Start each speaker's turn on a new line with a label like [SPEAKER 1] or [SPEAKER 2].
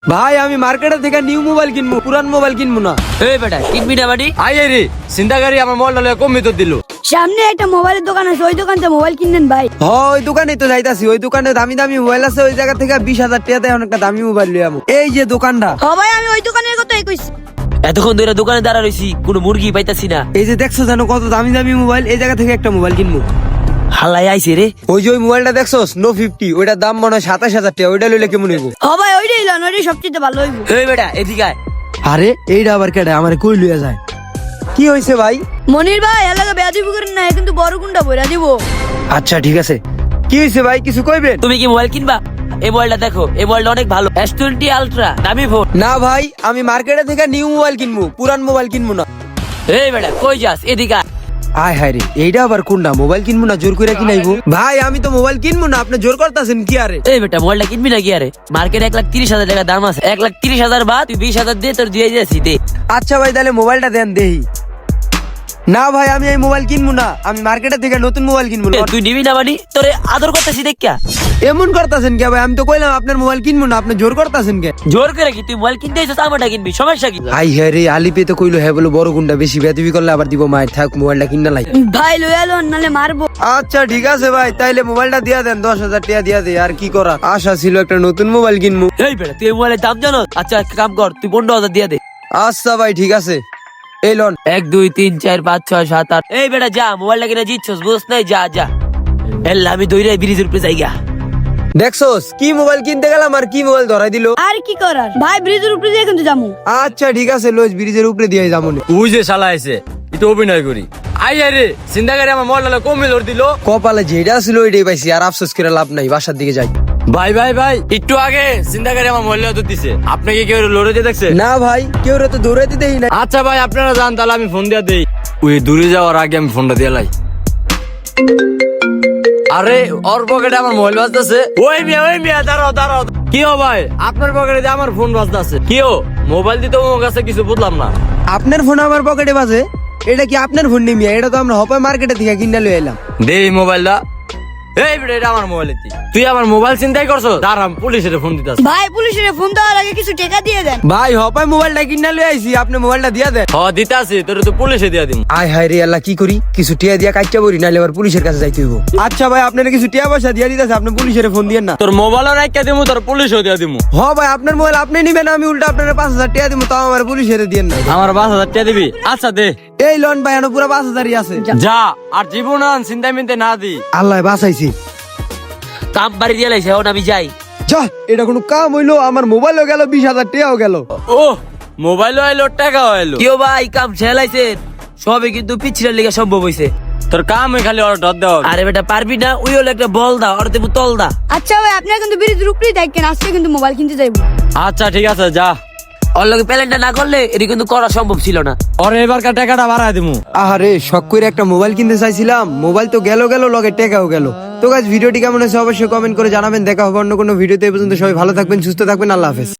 [SPEAKER 1] ভাই আমি মার্কেটে থেকে নিউ মোবাইল কিনবো, পুরান মোবাইল কিনবো না।
[SPEAKER 2] এই বেটা কিনবি না বাড়ি
[SPEAKER 3] আই রে চিন্তাকারী আমার মোবাইলটা কম ভিতর দিল।
[SPEAKER 4] সামনে একটা মোবাইলের দোকান আছে, ওই দোকান থেকে মোবাইল কিনেন ভাই।
[SPEAKER 1] ওই দোকানে তো যাইতাছি, ওই দোকানে দামি দামি মোবাইল আছে, ওই জায়গা থেকে 20,000 টাকাতে অনেকটা দামি মোবাইল লই আমু। এই যে দোকানটা,
[SPEAKER 4] ও ভাই আমি ওই দোকানের কথাই কইছি।
[SPEAKER 2] এতক্ষণ ধরে দোকানে দাঁড়া রইছি, কোনো মুরগি পাইতাছি না।
[SPEAKER 1] এই যে দেখছো জানো কত দামি দামি মোবাইল, এই জায়গা থেকে একটা মোবাইল কিনবো।
[SPEAKER 2] হালাই আইছে রে।
[SPEAKER 1] ওই যে ওই মোবাইলটা দেখছোস নো 50, ওইটার দাম মনে হয় 27,000 টাকা, ওইটা লইলে কেমন হইব?
[SPEAKER 4] ও ভাই ওইটাই লন, ওইটাই সবচেয়ে ভালো হইব।
[SPEAKER 2] এই বেটা এদিকে আয়।
[SPEAKER 1] আরে এইটা আবার কেডা আমার কই লইয়া যায়? কি হইছে ভাই?
[SPEAKER 4] মনির ভাই এলাকা বেয়াদবি করেন না, কিন্তু বড় গুন্ডা বইরা দিব।
[SPEAKER 1] আচ্ছা ঠিক আছে, কি হইছে ভাই কিছু কইবেন?
[SPEAKER 2] তুমি কি মোবাইল কিনবা? এই মোবাইলটা দেখো, এই মোবাইলটা অনেক ভালো, S20 আলট্রা, দামি ফোন।
[SPEAKER 1] না ভাই আমি মার্কেটে থেকে নিউ মোবাইল কিনবো, পুরান মোবাইল কিনবো না।
[SPEAKER 2] এই বেটা কই যাস? এদিকে আয়।
[SPEAKER 1] আয় হায় রে, এইটা আবার কোনটা? মোবাইল কিনবো না জোর করে কিনাইবো? ভাই আমি তো মোবাইল কিনবো না, আপনি জোর করতেছেন কি? আরে
[SPEAKER 2] এই বেটা মোবাইলটা কিনবি না কি? আরে মার্কেটে 1,30,000 টাকা দাম আছে, 1,30,000 বাদ তুই 20,000 দিয়ে তোর দিয়ে যাচ্ছি দে।
[SPEAKER 1] আচ্ছা ভাই তাহলে মোবাইলটা দেন দেহি। না ভাই আমি এই মোবাইল কিনবো না, আমি মার্কেটে থেকে নতুন মোবাইল কিনবো না।
[SPEAKER 2] তুই নিবি না মানে তোরে আদর করতেছি দেখা।
[SPEAKER 1] এমন করতেছেন কে ভাই? আমি তো কইলাম আপনার মোবাইল কিনবো না, আপনি জোর করতেছেন কে?
[SPEAKER 2] জোর করে কি তুই মোবাইল কিনতে এসেছিস, আমারটা কিনবি, সমস্যা কি?
[SPEAKER 1] আই হ্যাঁ রে, আলিপে তো কইলো হ্যাঁ বলো বড় গুন্ডা, বেশি বেদবি করলে আবার দিব মায়ের, থাক মোবাইলটা কিনা লাই।
[SPEAKER 4] ভাই লইয়া লন নালে মারবো।
[SPEAKER 1] আচ্ছা ঠিক আছে ভাই, তাইলে মোবাইলটা দিয়া দেন, 10,000 টাকা দিয়া দে। আর কি করা, আশা ছিল একটা নতুন মোবাইল কিনবো।
[SPEAKER 2] এই বেটা তুই এই মোবাইলের দাম জানো? আচ্ছা একটা কাম কর, তুই 15,000 দিয়ে দে।
[SPEAKER 1] আচ্ছা ভাই ঠিক আছে, এই লন।
[SPEAKER 2] 1 2 3 4 5 6 7 8। এই বেটা যা, মোবাইলটা কিনে জিতছস বুঝছ নাই? যা যা এল্লা আমি দৌড়ে ব্রিজের উপরে যাইগা।
[SPEAKER 1] দেখছোস কি মোবাইল কিনতে গেলাম আর কি মোবাইল ধরাই দিল।
[SPEAKER 4] আর কি করার ভাই, ব্রিজের উপরে দিয়ে কিন্তু যামু।
[SPEAKER 1] আচ্ছা ঠিক আছে, লোজ ব্রিজের উপরে দিয়ে যাবো।
[SPEAKER 3] ওই যে শালা আইছে, এটা অভিনয় করি। আই রে চিন্তাকারী আমার মোবাইলটা কম ভিতর দিল।
[SPEAKER 1] কপালে যেটা ছিল ওইটাই পাইছি, আর আফসোস করে লাভ নাই, বাসার দিকে যাই।
[SPEAKER 3] ভাই ভাই ভাই একটু আগে চিন্তাকারী আমার মোবাইলটা তো দিছে, আপনি কি কেউ লড়ে যে দেখছে?
[SPEAKER 1] না ভাই কেউ রে তো দৌড়াইতে দেই না।
[SPEAKER 3] আচ্ছা ভাই আপনারা যান, তাহলে আমি ফোন দিয়া দেই। ওই দূরে যাওয়ার আগে আমি ফোনটা দিয়ে লাই। আরে ওর পকেটে আমার মোবাইল বাজতেছে। ওই মিয়া দাঁড়াও দাঁড়াও। কি হো ভাই, আপনার পকেটে যে আমার ফোন বাজতেছে? কি হো, মোবাইল দিতে আমার কাছে কিছু বুঝলাম না।
[SPEAKER 1] আপনার ফোন আমার পকেটে বাজে? এটা কি আপনার ফোন নিমিয়া? এটা তো আমরা হপায় মার্কেটে থেকে কিনে লই এলাম।
[SPEAKER 3] দে এই মোবাইলটা। এই বেটা এটা আমার মোবাইল, তুই আমার মোবাইল চিন্তাই করছো? দাঁড়াম পুলিশের ফোন দিতাস।
[SPEAKER 4] ভাই পুলিশের ফোন দেওয়ার আগে কিছু টাকা দিয়ে দেন।
[SPEAKER 1] ভাই হপায় মোবাইলটা কিনে লই আইছি, আপনি মোবাইলটা দিয়া দেন।
[SPEAKER 3] হ দিতাছি, তোর তো পুলিশে দিয়া দিম।
[SPEAKER 1] আয় হায় রে আল্লাহ, কি করি? কিছু টিয়া দিয়া কাইটা বরি, নাইলে আবার পুলিশের কাছে যাইতে হইব। আচ্ছা ভাই আপনারা কিছু টিয়া পয়সা দিয়া দিতেছে, আপনি পুলিশের ফোন দিয়েন না।
[SPEAKER 3] তোর মোবাইলও রাইখা দিমু, তোর পুলিশও দিয়া দিমু।
[SPEAKER 1] হ ভাই আপনার মোবাইল আপনি নিবেন, আমি উল্টা আপনার 5,000 টাকা দিব, তাও আমার পুলিশের দিয়েন না।
[SPEAKER 3] আমার 5,000 টাকা দিবি? আচ্ছা দে।
[SPEAKER 1] এই লোন ভাই আনো পুরো 5,000ই আছে।
[SPEAKER 3] যা, আর জীবন চিন্তা মিনতে না দি।
[SPEAKER 1] আল্লাহ বাঁচাইছি।
[SPEAKER 2] কাম বাড়ি দিয়ে লাইছে, এখন আমি যাই।
[SPEAKER 1] যা, এটা কোনো কাম হইলো? আমার মোবাইলও গেল, 20,000 টাকাও গেল।
[SPEAKER 3] ও মোবাইলও আইলো, টাকাও আইলো।
[SPEAKER 2] কিও ভাই কাম ছেলাইছে সবে, কিন্তু পিছিয়ে লেগে সম্ভব হইছে।
[SPEAKER 3] তোর কাম খালি অর্ডার দেওয়া।
[SPEAKER 2] আরে বেটা পারবি না? ওই হলো একটা বল দা, আর তুমি তল দা।
[SPEAKER 4] আচ্ছা ভাই আপনারা কিন্তু ব্রিজের উপরেই দেখেন, আজকে কিন্তু মোবাইল কিনতে যাইবো।
[SPEAKER 3] আচ্ছা ঠিক আছে যা।
[SPEAKER 2] ওর লগে প্যালেনটা না করলে এটি কিন্তু করা সম্ভব ছিল না।
[SPEAKER 3] ওর এবারকার টাকাটা বাড়ায় দিমু।
[SPEAKER 1] আরে শখ করে একটা মোবাইল কিনতে চাইছিলাম, মোবাইল তো গেল লগে টাকাও গেল। তো গাইস ভিডিওটি কেমন হয়েছে অবশ্যই কমেন্ট করে জানাবেন। দেখা হবে অন্য কোনো ভিডিওতে। এই পর্যন্ত সবাই ভালো থাকবেন, সুস্থ থাকবেন, আল্লাহ হাফেজ।